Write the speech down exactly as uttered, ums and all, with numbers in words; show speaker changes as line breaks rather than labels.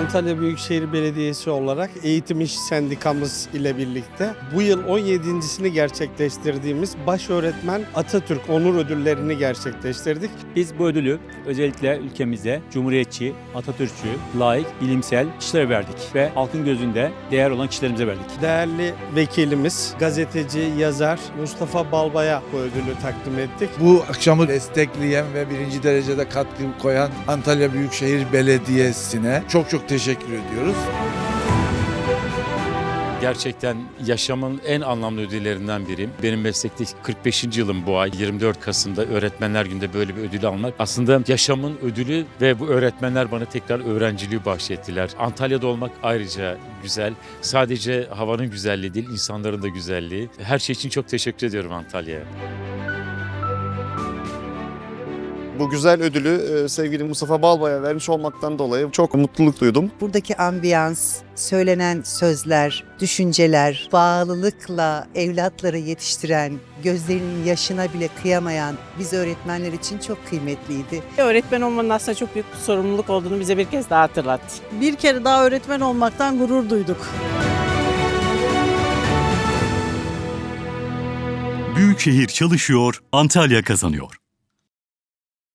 Antalya Büyükşehir Belediyesi olarak Eğitim İş Sendikamız ile birlikte bu yıl on yedincisini gerçekleştirdiğimiz Başöğretmen Atatürk Onur Ödülleri'ni gerçekleştirdik.
Biz bu ödülü özellikle ülkemize cumhuriyetçi, Atatürkçü, layık, bilimsel kişilere verdik ve halkın gözünde değer olan kişilerimize verdik.
Değerli vekilimiz, gazeteci, yazar Mustafa Balbay'a bu ödülü takdim ettik.
Bu akşamı destekleyen ve birinci derecede katkı koyan Antalya Büyükşehir Belediyesi'ne çok çok teşekkür ediyoruz.
Gerçekten yaşamın en anlamlı ödüllerinden biriyim. Benim meslekteki kırk beşinci yılım bu ay. yirmi dört Kasım'da Öğretmenler Günü'nde böyle bir ödül almak. Aslında yaşamın ödülü ve bu öğretmenler bana tekrar öğrenciliği bahşettiler. Antalya'da olmak ayrıca güzel. Sadece havanın güzelliği değil, insanların da güzelliği. Her şey için çok teşekkür ediyorum Antalya'ya.
Bu güzel ödülü sevgili Mustafa Balbay'a vermiş olmaktan dolayı çok mutluluk duydum.
Buradaki ambiyans, söylenen sözler, düşünceler, bağlılıkla evlatları yetiştiren, gözlerinin yaşına bile kıyamayan biz öğretmenler için çok kıymetliydi.
Öğretmen olmanın aslında çok büyük bir sorumluluk olduğunu bize bir kez daha hatırlattı.
Bir kere daha öğretmen olmaktan gurur duyduk.
Büyükşehir çalışıyor, Antalya kazanıyor.